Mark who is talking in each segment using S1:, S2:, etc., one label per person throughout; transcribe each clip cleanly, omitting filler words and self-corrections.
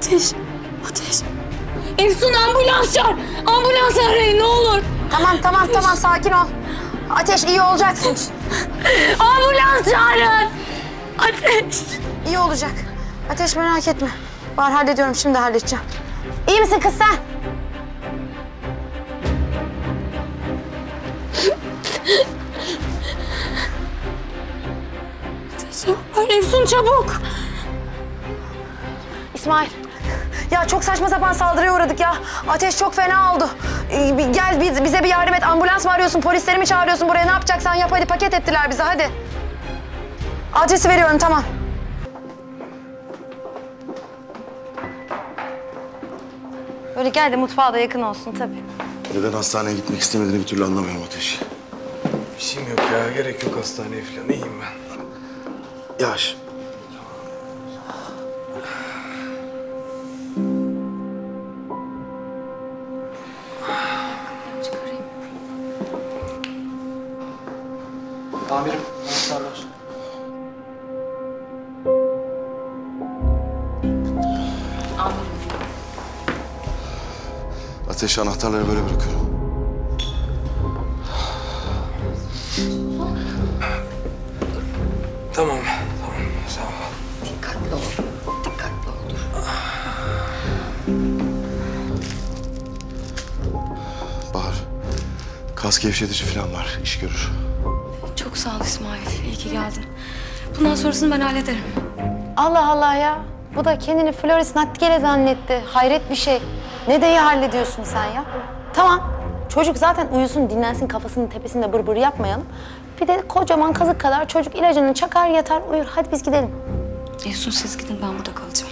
S1: Ateş. Ateş. Efsun ambulans çağır. Ambulans arayın ne olur.
S2: Tamam sakin ol. Ateş iyi olacaksın.
S1: Ambulans çağırın. Ateş.
S2: İyi olacak. Ateş merak etme. Var hallediyorum şimdi halledeceğim. İyi misin kız sen?
S1: Ateş yapar. Efsun çabuk.
S2: İsmail. Ya çok saçma sapan saldırıya uğradık ya. Ateş çok fena oldu. Gel bize bir yardım et. Ambulans mı arıyorsun, polisleri mi çağırıyorsun buraya? Ne yapacaksan yap hadi. Paket ettiler bizi hadi. Adresi veriyorum tamam. Böyle gel de mutfağa da yakın olsun tabii.
S3: Neden hastaneye gitmek istemediğini bir türlü anlamıyorum Ateş.
S4: Bir şeyim yok ya. Gerek yok hastaneye falan. İyiyim ben.
S3: Yavaş.
S4: Amirim, anahtarlar.
S3: Ateş anahtarları böyle bırakıyorum.
S4: Tamam, sağ ol.
S1: Dikkatli ol. Dikkatli ol. Dur.
S3: Bahar, kas gevşetici falan var. İş görür.
S1: Çok sağ ol İsmail. İyi ki geldin. Bundan sonrasını ben hallederim.
S2: Allah Allah ya. Bu da kendini Floris Nightingale zannetti. Hayret bir şey. Ne de iyi hallediyorsun sen ya. Tamam. Çocuk zaten uyusun, dinlensin, kafasının tepesinde bır yapmayalım. Bir de kocaman kazık kadar çocuk ilacını çakar, yatar, uyur. Hadi biz gidelim.
S1: Efsun siz gidin ben burada kalacağım.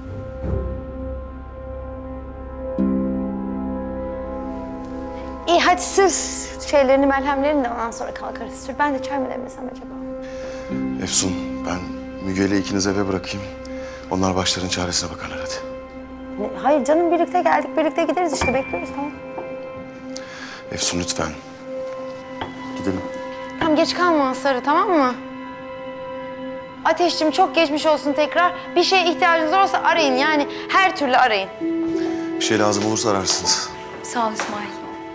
S2: İyi hadi sür şeylerini, merhemlerini de ondan sonra kalkarız. Sür. Ben de çay mı demlesem acaba?
S3: Efsun, ben Müge ile ikinizi eve bırakayım. Onlar başların çaresine bakarlar hadi.
S2: Hayır canım, birlikte geldik, birlikte gideriz işte. Bekliyoruz tamam.
S3: Efsun lütfen. Gidelim.
S2: Tamam geç kalma Sarı, tamam mı? Ateşciğim çok geçmiş olsun tekrar. Bir şeye ihtiyacınız olursa arayın, yani her türlü arayın.
S3: Bir şey lazım olursa ararsınız.
S1: Sağ ol İsmail.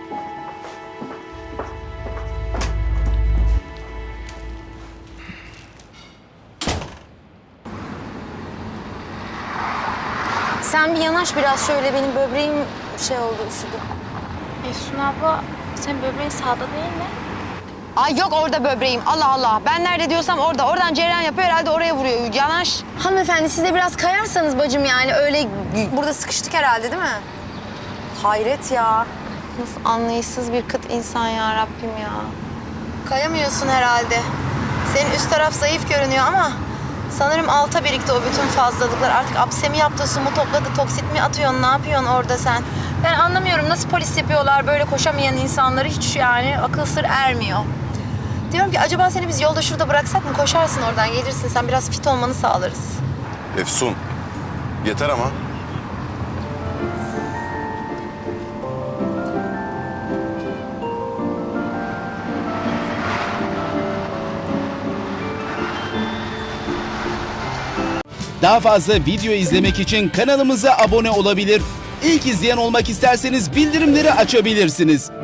S2: Sen bir yanaş biraz şöyle, benim böbreğim şey oldu, üşüdü.
S5: Efsun abla, senin böbreğin sağda değil mi?
S2: Ay yok orada böbreğim, Allah Allah. Ben nerede diyorsam orada. Oradan cereyan yapıyor, herhalde oraya vuruyor. Yanaş. Hanımefendi siz de biraz kayarsanız bacım yani. Öyle burada sıkıştık herhalde değil mi? Hayret ya. Nasıl anlayışsız bir kıt insan ya Rabbim ya. Kayamıyorsun herhalde. Senin üst taraf zayıf görünüyor ama sanırım alta birikti o bütün fazlalıklar. Artık apsemi yaptı, su mu topladı, toksit mi atıyorsun, ne yapıyorsun orada sen? Ben anlamıyorum nasıl polis yapıyorlar böyle koşamayan insanları, hiç yani akıl sır ermiyor. Diyorum ki acaba seni biz yolda şurada bıraksak mı? Koşarsın oradan, gelirsin sen, biraz fit olmanı sağlarız.
S3: Efsun, yeter ama.
S6: Daha fazla video izlemek için kanalımıza abone olabilir. İlk izleyen olmak isterseniz bildirimleri açabilirsiniz.